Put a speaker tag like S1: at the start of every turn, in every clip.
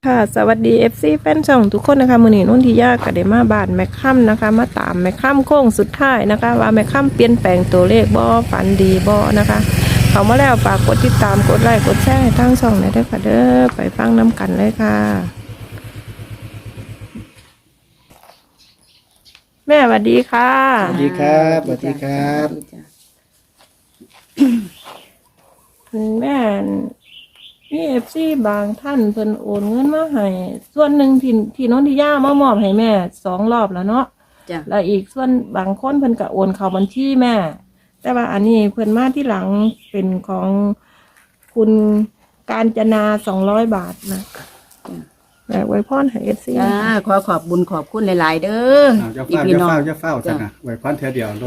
S1: ค่ะสวัสดี FC แฟนช่องทุกคนนะคะมื้อนี้นุ่นทิยาก็ได้มาบ้านแม่ค่ำนะคะมาตามแม่ค่ำโค้งสุดท้ายนะคะว่าแม่ค่ำเปลี่ยนแปลงตัวเลขบ่ฝันดีบ่นะคะเขามาแล้วฝากกดติดตามกดไลค์กดแชร์ให้ทั้งช่องหน่อยด้วยค่ะเด้อไปฟังน้ำกันเลยค่ะแม่สวัสดีค่ะ
S2: สวัสดีครับสวัสดีครับ
S1: แม่มีFC บางท่านเพิ่นโอนเงินมาให้ส่วนหนึ่งที่น้องทิยามามอบให้แม่2 รอบแล้วเนาะ
S3: จ้ะ
S1: แล้วอีกส่วนบางคนเพิ่นก็โอนเข้าบัญชีแม่ แต่ว่าอันนี้เพิ่นมาที่หลังเป็นของคุณกาญจนา200 บาทนะแม่ไว้พรให้ FC
S3: จ้าขอขอบบุญขอบคุณหลาย ๆ เด้อ
S2: เจ้า
S3: อี
S2: เฝ้า
S3: พี่
S2: เจ้า
S3: น้อง
S2: เฝ้าจ้ะนะไว้พันเท่าเดียวด้วย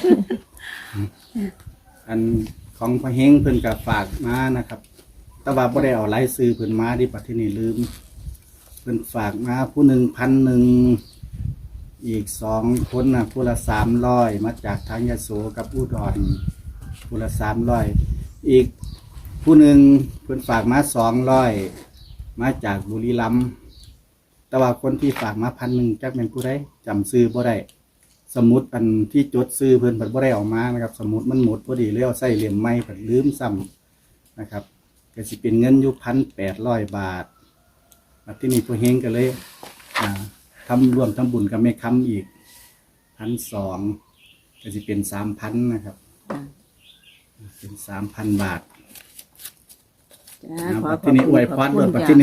S2: อันของพระเฮงเพิ่นกับฝากมานะครับแต่ว่าบ่ได้เอารายซื้อเพิ่นมาที่ปัจจุบันลืมเพิ่นฝากมาผู้หนึ่ง1,100อีก2 คนนะผู้ละ300มาจากทางยโสกับอุดรผู้ละ300อีกผู้หนึ่งเพิ่นฝากมา200มาจากบุรีรัมย์แต่ว่าคนที่ฝากมา1,000จักเป็นผู้ใดจำซื้อบ่ได้สมุดอันที่จดซื้อเพิ่นเพิ่นบ่ได้เอามานะครับสมุดมันหมดพอดีเลยเอาใส่เหลี่ยมไม้เพิ่นลืมซ้ำนะครับก็สิเป็นเงินอยู่1,800 บาทที่นี่ผู้เฮงก็เลยทำร่วมทำบุญกับแม่ค้ำอีก1,200ก็สิเป็น3,000นะครับเป็น3,000 บาท
S3: จ้า
S2: นะ
S3: ขอ
S2: บัด
S3: ขอ
S2: ที่
S3: บ
S2: นี่อ
S3: คุ
S2: วย
S3: ณ
S2: พ
S3: ขอ
S2: ร
S3: บ
S2: ด้
S3: คุ
S2: วย
S3: ณ
S2: บัด
S3: จ้ะ
S2: ที่นี่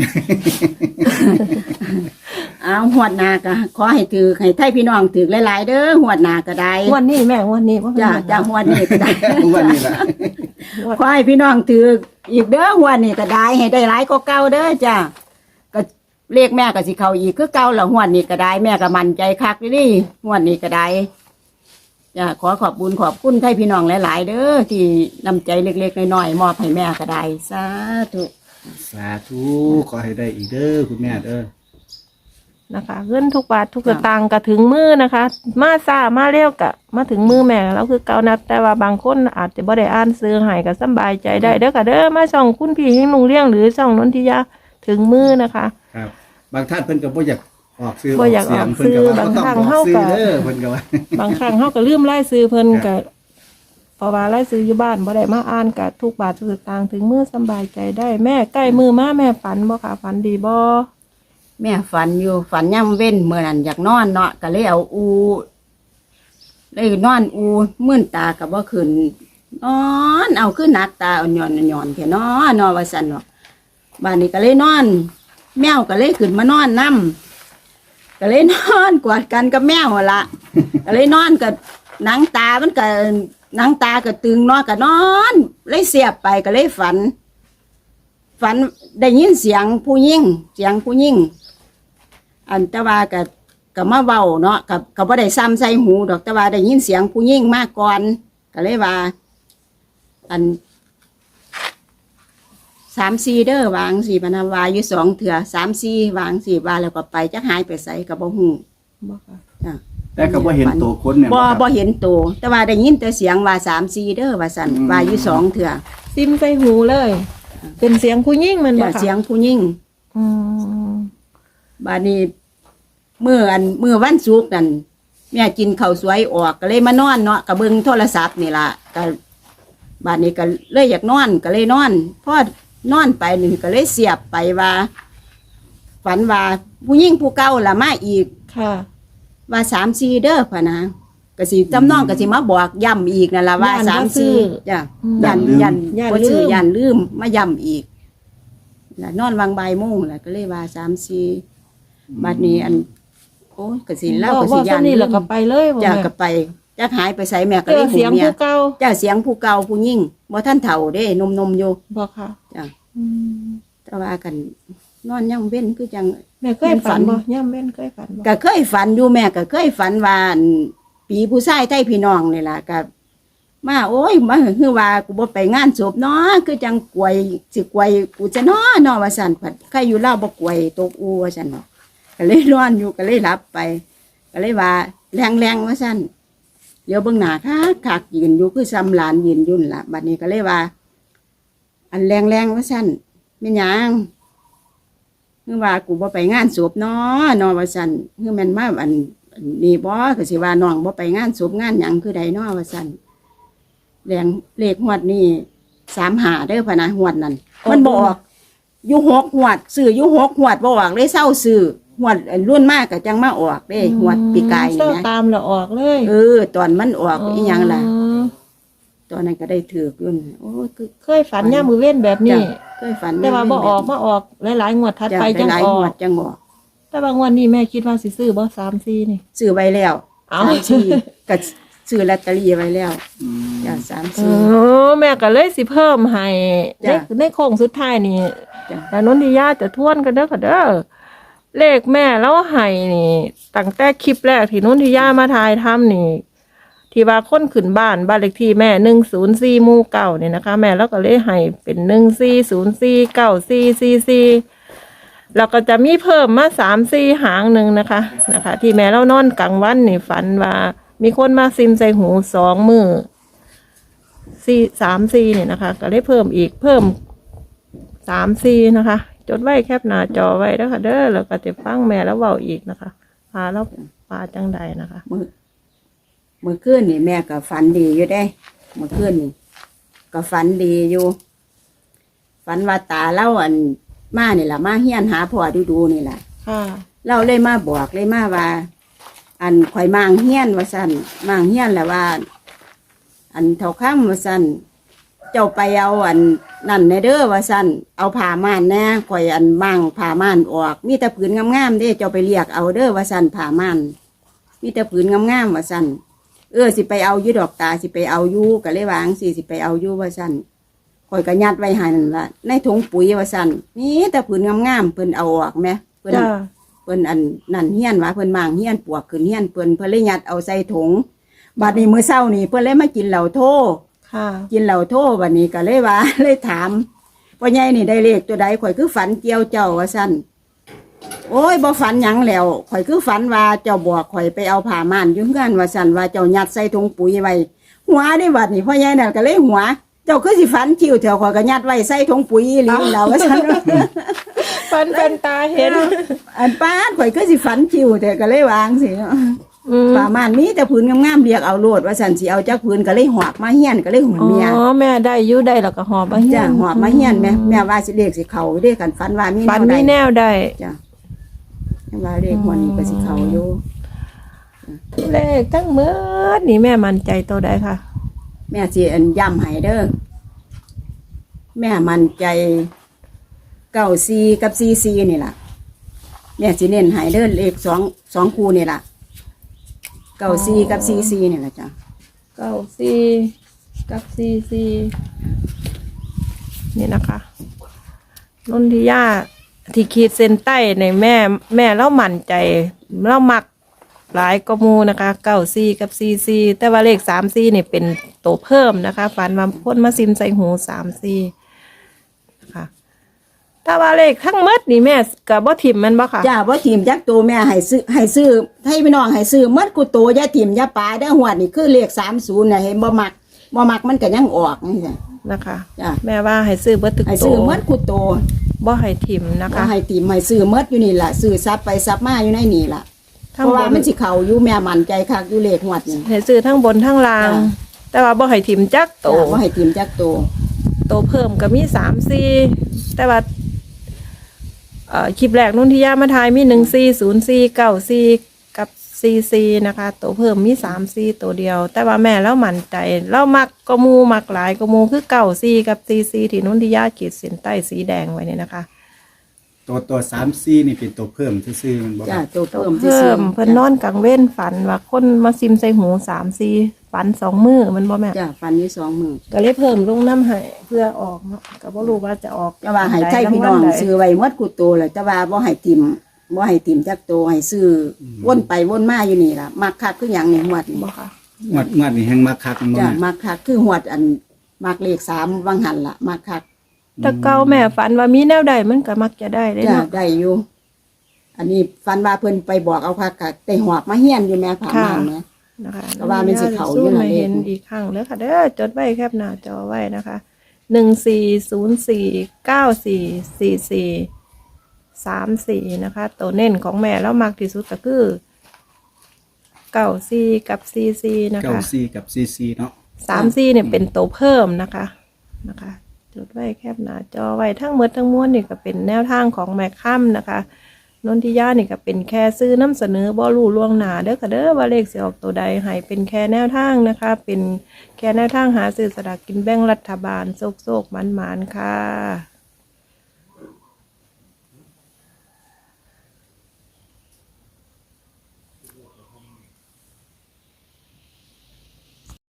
S3: เอาหวดหนาก็ขอให้ถือให้ไทยพี่น้องถือหลาย ๆ เด้อหวดหนาก็ได้
S1: วันนี้แม่วันนี้ว่า
S3: จ้าจ้าหวดนี้ก็ได้
S2: วันนี้ละ
S3: ขอให้พี่น้องถืออีกเด้อหวดนี้ก็ได้ให้ได้หลายก็เก่าเด้อจ้าก็เรียกแม่ก็สิเข้าอีกคือเก่าละหวดนี้ก็ได้แม่ก็มั่นใจคักนี่หวดนี้ก็ได้จ้าขอขอบบุญขอบคุณไทยพี่น้องหลาย ๆ เด้อที่นำใจเล็ก ๆ น้อย ๆ มอบให้แม่ก็ได้สาธุ
S2: สาธุขอให้ได้อีกเด้อคุณแม่เด้อ
S1: นะคะเงินทุกบาททุกสตางค์ก็ถึงมือนะคะ มาซ่ามาเร็วกะมาถึงมือแม่แล้วคือเก่านับแต่ว่าบางคนอาจจะบ่ได้อ่านซื้อให้ก็สำบายใจได้เด้อค่ะเด้อมาช่องคุณพี่เฮงลุงเลี้ยงหรือช่องนนทิยาถึงมือนะคะ
S2: ครับ บางท่านเพิ่นก็บ่อยากออกซื้อ
S1: บ่อยาก
S2: เสียง
S1: ออก
S2: เพิ่นก็ว่า
S1: ซื้อบาง
S2: บ่ต้อง
S1: ครั้ง
S2: ออก
S1: เฮา
S2: ซื้อ
S1: ก็
S2: เด้อเพิ่นก็ว่า
S1: บางครั้งเขาก็ลืมไล่ซื้อเพิ่นก็เพราะว่าไล่ซื้ออยู่บ้านบ่ได้มาอ่านก็ทุกบาททุกสตางค์ถึงมือสำบายใจได้แม่ใกล้มือมาแม่ฝันบ่ค่ะฝันดีบ่
S3: แม่ฝันอยู่ฝันย่ำเว้นเมื่อนั้นอยากนอนเนาะก็เลยเอาเลยนอนมื่นตากับว่าขึ้นนอนเอาขึ้นหนักตาอ่อนหย่อนแค่นอนว่าสันเนาะบ้านนี้ก็เลยนอน แมวก็เลยขึ้นมานอนนํก็เลยนอนกอดกันกับแมวหั่นละก็เลยนอนกับหนังตามันก็หนังตาก็ตึงเนาะก็นอนเลยเสียบไปก็เลยฝันได้ยินเสียงผู้หญิงอันแต่ว่าก็มาเว้าเนาะก็บ่ได้ซ้ำใส่หูดอกแต่ว่าได้ยินเสียงผู้หญิงมาก่อนก็เลยว่า อัน3-4เด้อวาง4พนาวาอยู่2เถื่อ3-4วาง4ว่าแล้วก็ไปจักหายไปไสก็บ่ฮู้
S1: บ่ค่ะ
S3: จ้ะ
S2: แต่ก็บ่เห็นตัวคนเนี่ย
S3: บ่
S2: ครับ
S3: บ่เห็นตัวแต่ว่าได้ยินแต่เสียงว่า3-4เด้อว่าซั่นว่าอยู่2เถื่อ
S1: ซิมใส่หูเลย เป็นเสียงผู้หญิงมันบ่
S3: จ้ะ
S1: ค่ะ
S3: เสียงผู้หญิง
S1: อืม
S3: บาดนี้เมื่อวันศุกร์นั่นแม่กินข้าวสวยออกก็เลยมานอนเนาะก็เบิ่งโทรศัพท์นี่ล่ะก็บาดนี้ก็เลยอยากนอนก็เลยนอนพอนอนไปนี่ก็เลยเสียบไปว่า ฝันว่าผู้หญิงผู้เก่าล่ะมาอีก
S1: ค่ะ
S3: ว่า3-4เด้อพะนะก็สิจำนองก็สิมาบอกย้ำอีกนั่นล่ะว่า3-4จ้ะยันบ่ซื้อยันลืมมาย้ำอีกแล้วนอนวางบ่ายโมงแล้วก็เลยว่า3-4บัดนี้อันโอ้ยก็สิเล่าก็สิ
S1: บ่
S3: ยัน
S1: นี่แล้วก็ไปเลยบ่
S3: จ้ะ
S1: แม่
S3: ก็ไปจักหายไปไสแม่ก็
S1: เจ
S3: เล
S1: อย เสียง
S3: เมีย
S1: ผู้เก่า
S3: จ้ะเสียงผู้เก่าผู้ยิ่งบ่ท่านเฒ่าเด้นมอยู่
S1: บ่ค่ะ
S3: จ้ะ
S1: อืม
S3: แต่ว่ากันนอนย่ำเว้นคือจัง
S1: แม่เคยฝันบ่ย่ำเว้นเคยฝันบ่
S3: ก็เคยฝันอยู่แม่ก็เคยฝันว่าอั่นปีผู้ชายไทยพี่น้องนี่ล่ะก็มาโอ้ยมาคือว่ากูบ่ไปงานศพเนาะคือจังกวยสิกวยกูจะเนาะว่าซั่นผัดใครอยู่ลาวบ่กวยตกอูว่าซั่นเนาะก็เลยนอนอยู่ก็เลยหลับไป ก็เลยว่าแรงว่าซั่นเดี๋ยวเบิ่งหน้าคักยืนอยู่คือซ้ำหลานยืนยุ่นล่ะบัดนี้ก็เลยว่า อันแรงว่าซั่นแม่นหยังคือว่ากูบ่ไปงานศพเนาะเนาะว่าซั่นคือแม่นมาอันนี้บ่ก็สิว่าน้องบ่ไปงานศพงานหยังคือใดเนาะว่าซั่นเลขงวดนี้35เด้อพะนะงวดนั้นมันบ่ออกอยู่6งวดซื้ออยู่6งวดบ่ออกเลยเศร้าซื้องวดรุ่นมากก็จังมาออกเด้งวดปีกาย
S1: เศร้า
S3: นี่นะ
S1: ตามแล้วออกเลย
S3: ตอนมันออกอีหยังล่ะตอนนั้นก็ได้ถือกอยู่นั่นโอ้ยคือ
S1: เคยฝันย่ามมือเว้นแบบนี้
S3: จ้ะเคยฝัน
S1: แต่ว่าบ่ออกมาออกหลายๆงวดถัดไปจัง
S3: หลาย
S1: อ
S3: ๆง
S1: อ
S3: ว
S1: ก
S3: ดจังออก
S1: แต่ว่างวดนี้แม่คิดว่าสิซื้อบ่3-4นี่
S3: ซื้อไว้แล้ว
S1: เอ้า
S3: 3-4ก็ซื้อลอตเตอรี่ไว้แล้วจ้ะ
S1: แม่ก็เลยสิเพิ่มให้
S3: จ้ะ
S1: ในโค้งสุดท้ายนี่
S3: จ้ะ
S1: แล้วนนทิยาจะทวนกันเด้อค่ะเด้อเลขแม่แล้วให้นี่ตั้งแต่คลิปแรกที่นนทิยามาถ่ายทำนี่ ที่ว่าคนขึ้นบ้านเลขที่แม่104หมู่เก่าเนี่ยนะคะ แม่แล้วก็เลยให้เป็น14049444แล้วก็จะมีเพิ่มมา3-4หางหนึ่งนะคะ ที่แม่เรานอนกลางวันนี่ฝันว่ามีคนมาซิมใส่หู2 มือ3-4เนี่ยนะคะ ก็เลยเพิ่มอีกเพิ่ม3-4นะคะ จดไว้แคปหน้าจอไว้แล้วค่ะเด้อแล้วก็จะฟังแม่แล้วเว้าอีกนะคะพาแล้วปลาจังใดนะคะ
S3: มื้อคืนนี่แม่ก็ฝันดีอยู่ได้มื้อคืนนี่ก็ฝันดีอยู่ฝันว่าตาเล่าอันมานี่ล่ะมาเฮียนหาพ่อดูๆนี่ล่ะ
S1: ค่ะ
S3: เราเลยมาบอกเลยมาว่า อันข่อยมางเฮียนว่าซั่นมางเฮียนแหละว่า อันเท่าค่ำว่าซั่นเจ้าไปเอาอันนั่นในเด้อว่าซั่นเอาผ้าม่านแน่ข่อยอันมางผ้าม่านออกมีแต่ผืนงามๆเด้เจ้าไปเรียกเอาเด้อว่าซั่นผ้าม่านมีแต่ผืนงามๆว่าซั่นสิไปเอาอยู่ดอกตาสิไปเอาอยู่ก็เลยวาจั่งสิไปเอาอยู่ว่าซั่นข่อยก็ยัดไว้ให้นั่นล่ะในถุงปุ๋ยว่าซั่นมีแต่ผืนงามๆเพิ่นเอาออกแหมเพิ่น
S1: จ้า
S3: เพิ่นอันนั่นเฮียนว่าเพิ่นมางเฮียนปวกขึ้นเฮียนเพิ่นเลยยัดเอาใส่ถุงบัดนี้มื้อเช้านี่เพิ่นเลยมากินเหล้าโท
S1: ค่ะ
S3: กินเหล้าโทบัดนี้ก็เลยว่า เลยถามพ่อใหญ่นี่ได้เลขตัวใดข่อยคือฝันเกี่ยวเจ้าว่าซั่นโอ้ยบ่ฝันหยังแล้วข่อยคือฝันว่าเจ้าบอกข่อยไปเอาผ้าม่านอยู่เฮือนว่าซั่นว่าเจ้ายัดใส่ถุงปุ๋ยไว้หัวได้บัดนี้พ่อใหญ่นั่นก็เลยหัว เจ้าคือสิฝันคิวเถอะข่อยก็ยัดไว้ใส่ถุงปุ๋ยอีหลีแล้วว่าซั่น
S1: ฟันเป็นตาเห็น
S3: อันป้าดข่อยก็สิฝันคิวแต่ก็เลยวางสิเนาะ ป่ามันมีแต่ผืนงามๆเรียกเอาโลดว่าสันสิเอาจากผืนก็เลยหอบมาเฮียนก็เลยหุ่น
S1: อ๋
S3: เมีย
S1: อแม่ได้อยู่ได้แล้วก็หอบมาเฮีย
S3: จ้ะ
S1: น
S3: หอบมาเฮียนแม่ว่าสิเลขสิเขาเด้กันฝันว่ามี
S1: ปันมีแนวได้
S3: จ้ะแม่ว่าเลขหัวนี้ก็สิเขาอยู่
S1: เลขทั้งหมืดนี่แม่มั่นใจตัวใดค่ะ
S3: แม่สิอันย้ำให้เด้อแม่มั่นใจ94กับ44นี่ล่ะแม่สิเน้นให้เด้อเลข2คู่นี่ล่ะ94กับ44นี่ล่ะจ้ะ
S1: 94กับ44นี่นะคะนนทิยาที่ขีดเส้นใต้ในแม่เล่ามั่นใจเล่ามักหลายกว่าหมูนะคะ94กับ44แต่ว่าเลข34นี่เป็นตัวเพิ่มนะคะฝันว่าพ่นมาซิมใส่หู34นะคะถ้าว่าเลขทั้งหมดนี่แม่กับบ่ถิ่มแมันบ่ค่ะ
S3: จ้าบ่ทีมจักตัวแม่ให้ซื้อให้พี่น้องให้ซื้อหมดกูโตอย่าทีมอย่าปาเด้อหวดนี่คือเลข30น่ะเห็นบ่มักมันก็ยังออกนี่จ้ะ
S1: นะคะ
S3: จ้ะ
S1: แม่ว่าให้ซื้อเบิดทุก
S3: ให้
S1: ตั
S3: ซื้อ
S1: ว
S3: หมดกูโต
S1: บ่ให้ถิ่มนะ
S3: ก็
S1: คะ
S3: ให้ทีมให้ซื้อหมดอยู่นี่ล่ะซื้อซับไปซับมาอยู่ในนี่ล่ะเพ
S1: ทั้ง
S3: ราะ
S1: บ
S3: ว่าน มันสิเข้าอยู่แม่มั่นใจคักอยู่เลขหวดนี่
S1: ให้ซื้อทั้งบนทั้งล่าง
S3: จ้ะ
S1: แต่ว่าบ่ให้ถิ่มจักโต
S3: จ้าบ่ให้ทีมจักตัว
S1: โตเพิ่มก็มี3-4แต่ว่าคลิปแรกนุ่นที่ย่ามาทายมี140494กับ44นะคะโตเพิ่มมี3-4ตัวเดียว แต่ว่าแม่แล้วมั่นใจเรามักก็มูมักหลายก็มูคือ94กับ44ที่นุ่นที่ย่าขีดเส้นใต้สีแดงไว้เนี่ยนะคะ
S2: ตัว3-4นี่เป็นตัวเพิ่มซื่อๆมันบ่ค
S3: จ้า
S2: รับ
S3: ตัว
S1: โต
S3: เพิ่ม
S1: เพิ่ม
S3: ซื่อๆ
S1: เพิ่นนอนกลางเว้นฝันว่าคนมาซิมใส่หู3-4ฝัน2 มือมันบ่แม่
S3: จ้าฟันอยู่2มื้อ
S1: ก็เลยเพิ่มลงน้ำให้เพื่อออกเนาะก็บ่รู้ว่าจะออก
S3: แต่ว่าให้ใช้พี่น้องซื้อไว้หมดกูโตเลยแต่ว่าบ่ให้ทีมจักตัวให้ซื้อวนไปวนมาอยู่นี่ล่ะมักคักคือหยังนี่หวดนี่
S1: บ่ค่ะ
S2: งวดนี้แฮงมาคักมันบ่
S3: จ้ะ
S2: แม่
S3: มักคักคือหวดอันมักเลข3วังหันล่ะมักคัก
S1: แต่เก่าแม่ฝันว่ามีแนวใดมันก็มักจะได้เด้
S3: จ้ะ
S1: เนาะ
S3: ได้อยู่อันนี้ฟันว่าเพิ่นไปบอกเอาคักคักได้หอบมาเฮียนอยู่แม่ผ่ามาแม่
S1: นะคะ
S3: ก็ว่ามันสิเข้าอยู่
S1: สู้
S3: นั่น
S1: มา
S3: เอง
S1: เห็นอีกครั้งเด้อค่ะเด้อจดไว้แคปหน้าจอไว้นะคะ14049444 3-4นะคะตัวเน้นของแม่แล้วมากที่สุดก็คือ94กับ44นะ
S2: เก้า
S1: คะ
S2: ซีกับซีซีเนาะ
S1: 34เนี่ยเป็นตัวเพิ่มนะคะจดไว้แคบหน้าจอไว้ทั้งหมดทั้งมวลนี่ก็เป็นแนวทางของแม่ค่ำนะคะนนทิยานี่ก็เป็นแค่ซื้อนำเสนอบ่รู้ล่วงหน้าเด้อค่ะเด้อว่าเลขสิออกตัวใดให้เป็นแค่แนวทางนะคะ เป็นแค่แนวทางหาซื้อสลากกินแบ่งรัฐบาลโชคๆหมานๆค่ะ